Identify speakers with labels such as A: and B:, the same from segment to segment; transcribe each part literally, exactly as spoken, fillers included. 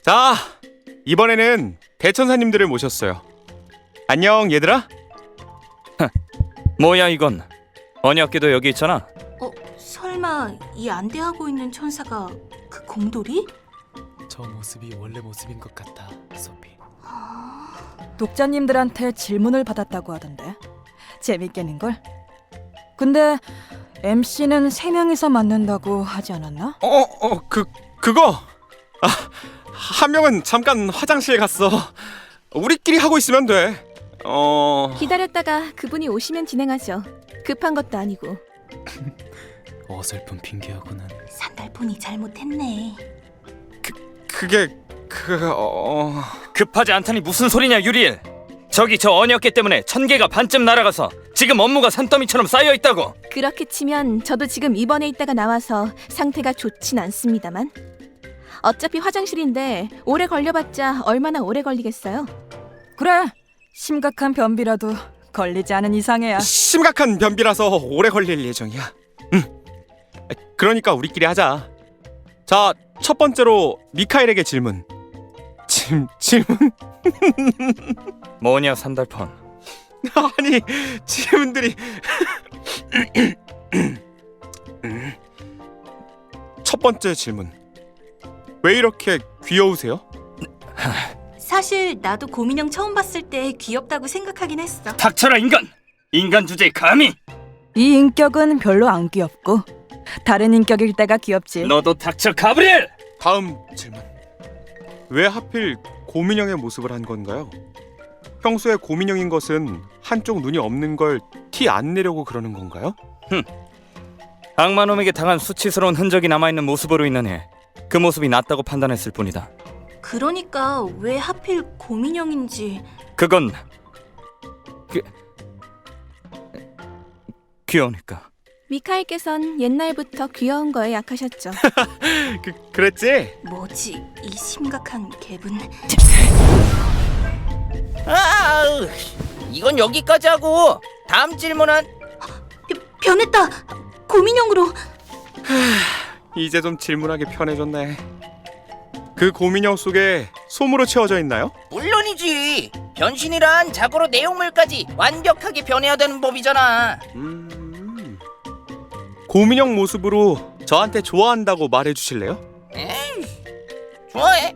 A: 자, 이번에는 대천사님들을 모셨어요. 안녕 얘들아.
B: 뭐야 이건? 언약궤도 여기 있잖아.
C: 어, 설마 이 안대하고 있는 천사가 그 곰돌이?
D: 저 모습이 원래 모습인 것 같아, 소피.
E: 독자님들한테 질문을 받았다고 하던데 재밌겠는걸? 근데 엠씨는 세 명이서 맡는다고 하지 않았나?
A: 어, 어, 그 그거. 아, 한 명은 잠깐 화장실 갔어. 우리끼리 하고 있으면 돼. 어.
F: 기다렸다가 그분이 오시면 진행하죠. 급한 것도 아니고.
D: 어설픈 핑계하고는.
C: 산달폰이 잘못했네.
A: 그게 그 어.
B: 급하지 않다니 무슨 소리냐 유리엘. 저기 저 언약궤 때문에 천 개가 반쯤 날아가서 지금 업무가 산더미처럼 쌓여 있다고.
F: 그렇게 치면 저도 지금 입원해 있다가 나와서 상태가 좋진 않습니다만 어차피 화장실인데 오래 걸려봤자 얼마나 오래 걸리겠어요.
E: 그래, 심각한 변비라도 걸리지 않은 이상해야.
A: 심각한 변비라서 오래 걸릴 예정이야. 응. 그러니까 우리끼리 하자. 자, 첫 번째로 미카엘에게 질문. 질 질문?
B: 뭐냐 산달폰.
A: 아니, 질문들이. 첫 번째 질문. 왜 이렇게 귀여우세요?
C: 사실 나도 곰인형 처음 봤을 때 귀엽다고 생각하긴 했어.
B: 닥쳐라 인간. 인간 주제에 감히.
E: 이 인격은 별로 안 귀엽고 다른 인격일 때가 귀엽지.
B: 너도 닥쳐 가브리엘.
A: 다음 질문. 왜 하필 곰인형의 모습을 한 건가요? 평소에 곰인형인 것은 한쪽 눈이 없는 걸 티 안 내려고 그러는 건가요?
B: 악마놈에게 당한 수치스러운 흔적이 남아있는 모습으로 인하여 그 모습이 낫다고 판단했을 뿐이다.
C: 그러니까 왜 하필 곰인형인지.
B: 그건 그 귀여우니까.
F: 미카엘께선 옛날부터 귀여운 거에 약하셨죠.
A: 그 그랬지?
C: 뭐지 이 심각한 갭은.
G: 아, 이건 여기까지 하고 다음 질문은.
C: 벼, 변했다. 곰인형으로.
A: 이제 좀 질문하기 편해졌네. 그 곰인형 속에 솜으로 채워져 있나요?
G: 물론이지. 변신이란 자고로 내용물까지 완벽하게 변해야 되는 법이잖아.
A: 음... 곰인형 모습으로 저한테 좋아한다고 말해주실래요?
G: 에이, 좋아해.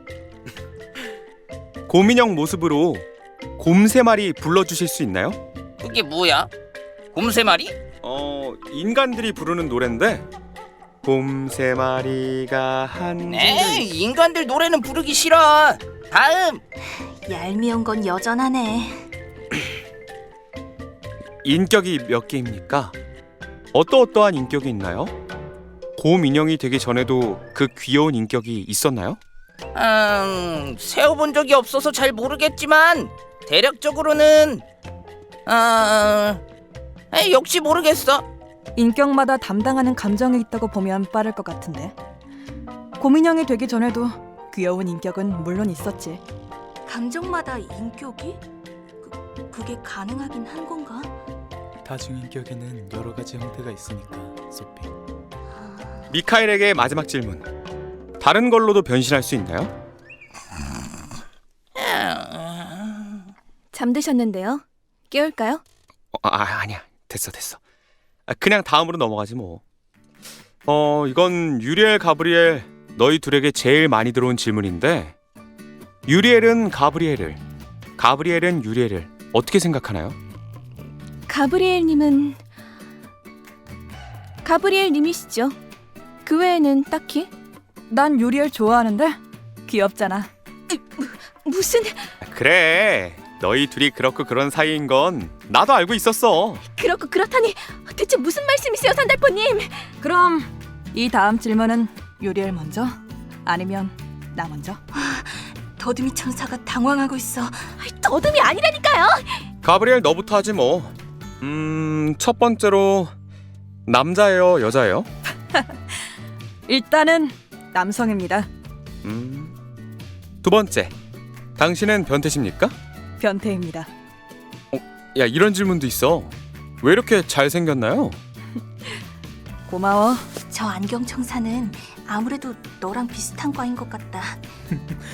A: 곰인형 모습으로 곰 세 마리 불러주실 수 있나요?
G: 그게 뭐야? 곰 세 마리?
A: 어... 인간들이 부르는 노래인데 곰 세 마리가 한...
G: 에이, 인간들 노래는 부르기 싫어. 다음.
C: 얄미운 건 여전하네.
A: 인격이 몇 개입니까? 어떠어떠한 인격이 있나요? 곰 인형이 되기 전에도 그 귀여운 인격이 있었나요?
G: 음, 세어본 적이 없어서 잘 모르겠지만 대략적으로는 아, 에이, 역시 모르겠어.
E: 인격마다 담당하는 감정이 있다고 보면 빠를 것 같은데 곰인형이 되기 전에도 귀여운 인격은 물론 있었지.
C: 감정마다 인격이? 그, 그게 가능하긴 한 건가?
D: 다중인격에는 여러 가지 형태가 있으니까, 소피.
A: 미카엘에게 마지막 질문. 다른 걸로도 변신할 수 있나요?
F: 잠드셨는데요. 깨울까요?
A: 어, 아, 아니야. 됐어 됐어. 아, 그냥 다음으로 넘어가지 뭐. 어, 이건 유리엘 가브리엘 너희 둘에게 제일 많이 들어온 질문인데 유리엘은 가브리엘을, 가브리엘은 유리엘을 어떻게 생각하나요?
F: 가브리엘님은 가브리엘님이시죠. 그 외에는 딱히.
E: 난 유리엘 좋아하는데 귀엽잖아.
F: 무슨
A: 그래. 너희 둘이 그렇고 그런 사이인 건 나도 알고 있었어.
F: 그렇고 그렇다니 대체 무슨 말씀이세요 산달포님.
E: 그럼 이 다음 질문은 유리엘 먼저? 아니면 나 먼저?
C: 더듬이 천사가 당황하고 있어.
F: 더듬이 아니라니까요.
A: 가브리엘 너부터 하지 뭐. 음, 첫 번째로 남자예요, 여자예요?
E: 일단은 남성입니다.
A: 음. 두 번째. 당신은 변태십니까?
E: 변태입니다.
A: 야, 이런 질문도 있어. 왜 이렇게 잘생겼나요?
E: 고마워.
C: 저 안경 청사는 아무래도 너랑 비슷한 과인 것 같다.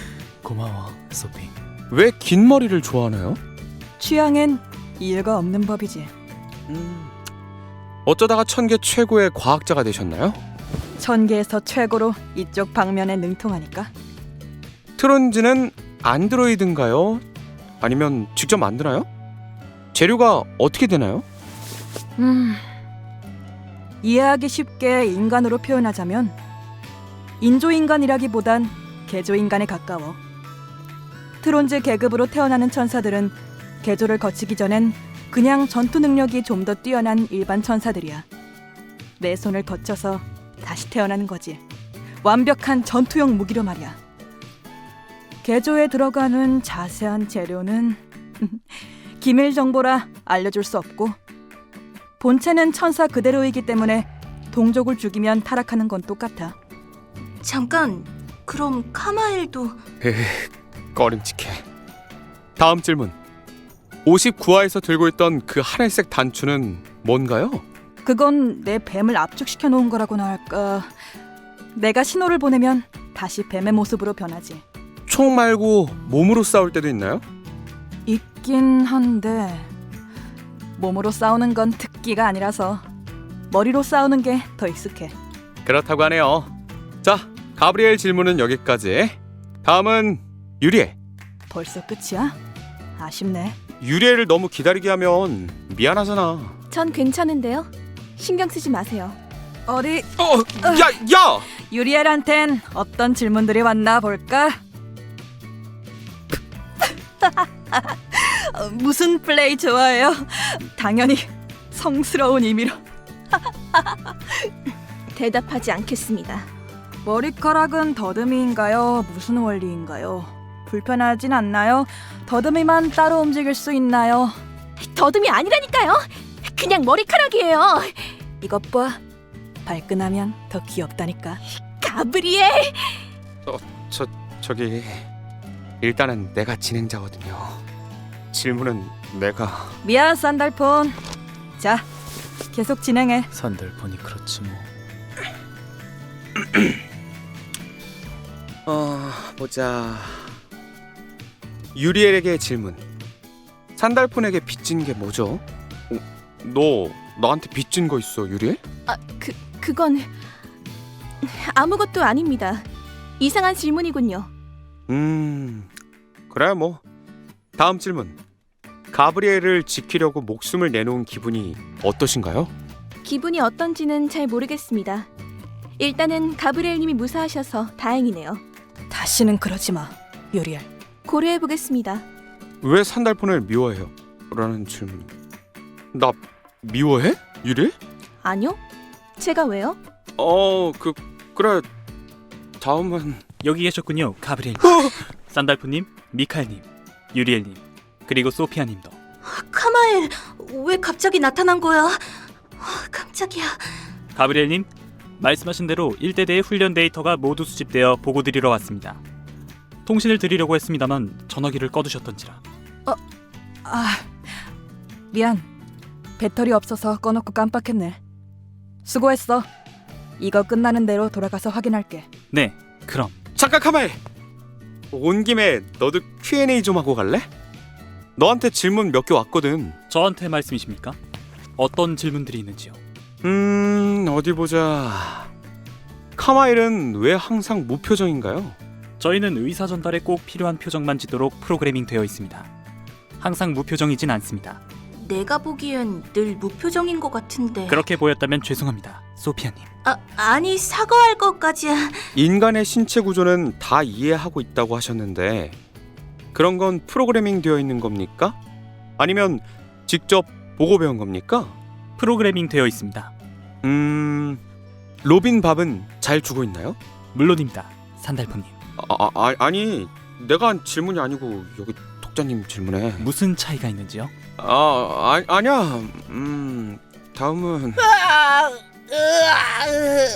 D: 고마워, 소피.
A: 왜 긴 머리를 좋아하나요?
E: 취향엔 이유가 없는 법이지.
A: 음, 어쩌다가 천계 최고의 과학자가 되셨나요?
E: 천계에서 최고로 이쪽 방면에 능통하니까.
A: 트론즈는 안드로이드인가요? 아니면 직접 만드나요? 재료가 어떻게 되나요?
E: 음, 이해하기 쉽게 인간으로 표현하자면 인조인간이라기보단 개조인간에 가까워. 트론즈 계급으로 태어나는 천사들은 개조를 거치기 전엔 그냥 전투 능력이 좀 더 뛰어난 일반 천사들이야. 내 손을 거쳐서 다시 태어나는 거지. 완벽한 전투용 무기로 말이야. 개조에 들어가는 자세한 재료는 기밀 정보라 알려줄 수 없고, 본체는 천사 그대로이기 때문에 동족을 죽이면 타락하는 건 똑같아.
C: 잠깐, 그럼 카마엘도
A: 에휴, 꺼림칙해. 다음 질문. 오십구 화에서 들고 있던 그 하늘색 단추는 뭔가요?
E: 그건 내 뱀을 압축시켜 놓은 거라고나 할까. 내가 신호를 보내면 다시 뱀의 모습으로 변하지.
A: 총 말고 몸으로 싸울 때도 있나요?
E: 있긴 한데 몸으로 싸우는 건 특기가 아니라서 머리로 싸우는 게 더 익숙해.
A: 그렇다고 하네요. 자, 가브리엘 질문은 여기까지. 다음은 유리엘.
E: 벌써 끝이야? 아쉽네.
A: 유리엘을 너무 기다리게 하면 미안하잖아.
F: 전 괜찮은데요. 신경 쓰지 마세요.
E: 어디
A: 어, 야, 야!
E: 유리엘한텐 어떤 질문들이 왔나 볼까? 어, 무슨 플레이 좋아해요? 당연히 성스러운 의미로.
F: 대답하지 않겠습니다.
E: 머리카락은 더듬이인가요? 무슨 원리인가요? 불편하진 않나요? 더듬이만 따로 움직일 수 있나요?
F: 더듬이 아니라니까요. 그냥 머리카락이에요.
E: 이것 봐. 발끈하면 더 귀엽다니까.
F: 가브리엘.
A: 저, 저기 일단은 내가 진행자거든요. 질문은 내가...
E: 미안, 산달폰. 자, 계속 진행해.
D: 산달폰이 그렇지 뭐.
A: 어... 보자... 유리엘에게 질문. 산달폰에게 빚진 게 뭐죠? 어, 너 나한테 빚진 거 있어, 유리엘?
F: 아, 그 그건 아무것도 아닙니다. 이상한 질문이군요.
A: 음... 그래 뭐. 다음 질문. 가브리엘을 지키려고 목숨을 내놓은 기분이 어떠신가요?
F: 기분이 어떤지는 잘 모르겠습니다. 일단은 가브리엘님이 무사하셔서 다행이네요.
E: 다시는 그러지 마, 유리엘.
F: 고려해 보겠습니다.
A: 왜 산달폰을 미워해요? 라는 질문. 나 미워해? 유리엘?
F: 아니요? 제가 왜요?
A: 어... 그... 그래... 다음은...
H: 여기 계셨군요, 가브리엘.
A: 어!
H: 산달프님, 미카엘님, 유리엘님, 그리고 소피아님도.
C: 카마엘 왜 갑자기 나타난 거야? 아, 깜짝이야.
H: 가브리엘님, 말씀하신 대로 일대대의 훈련 데이터가 모두 수집되어 보고 드리러 왔습니다. 통신을 드리려고 했습니다만 전화기를 꺼두셨던지라.
E: 아, 미안. 배터리 없어서 꺼놓고 깜빡했네. 수고했어. 이거 끝나는 대로 돌아가서 확인할게.
H: 네, 그럼.
A: 잠깐 카마엘! 온 김에 너도 큐 앤 에이 좀 하고 갈래? 너한테 질문 몇 개 왔거든.
H: 저한테 말씀이십니까? 어떤 질문들이 있는지요?
A: 음... 어디 보자... 카마엘은 왜 항상 무표정인가요?
H: 저희는 의사 전달에 꼭 필요한 표정만 짓도록 프로그래밍 되어 있습니다. 항상 무표정이진 않습니다.
C: 내가 보기엔 늘 무표정인 것 같은데.
H: 그렇게 보였다면 죄송합니다, 소피아님.
C: 아, 아니 사과할 것까지야.
A: 인간의 신체 구조는 다 이해하고 있다고 하셨는데 그런 건 프로그래밍 되어 있는 겁니까? 아니면 직접 보고 배운 겁니까?
H: 프로그래밍 되어 있습니다.
A: 음... 로빈 밥은 잘 주고 있나요?
H: 물론입니다, 산달프님.
A: 아, 아, 아니 내가 한 질문이 아니고 여기 독자님 질문에.
H: 무슨 차이가 있는지요?
A: 아, 아 아니야. 음... 다음은...
G: 으아, 으아,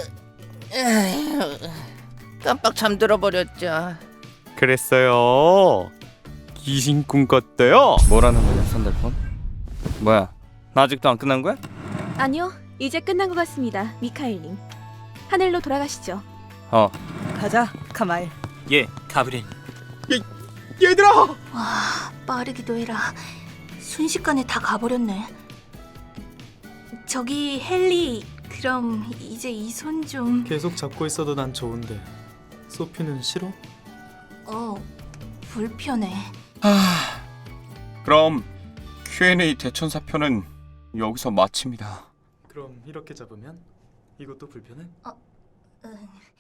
G: 으, 깜빡 잠들어 버렸죠.
A: 그랬어요. 귀신 꿈 꿨대요.
B: 뭐라는 거냐, 산달폰? 뭐야, 아직도 안 끝난 거야?
F: 아니요, 이제 끝난 것 같습니다, 미카엘님. 하늘로 돌아가시죠.
B: 어,
E: 가자, 카마엘.
H: 예, 가브리엘.
A: 얘들아!
C: 와, 빠르기도 해라. 순식간에 다 가버렸네. 저기 헨리, 그럼 이제 이 손 좀...
D: 계속 잡고 있어도 난 좋은데 소피는 싫어?
C: 어, 불편해.
A: 그럼 큐 앤 에이 대천사 편은 여기서 마칩니다.
D: 그럼 이렇게 잡으면 이것도 불편해?
C: 응.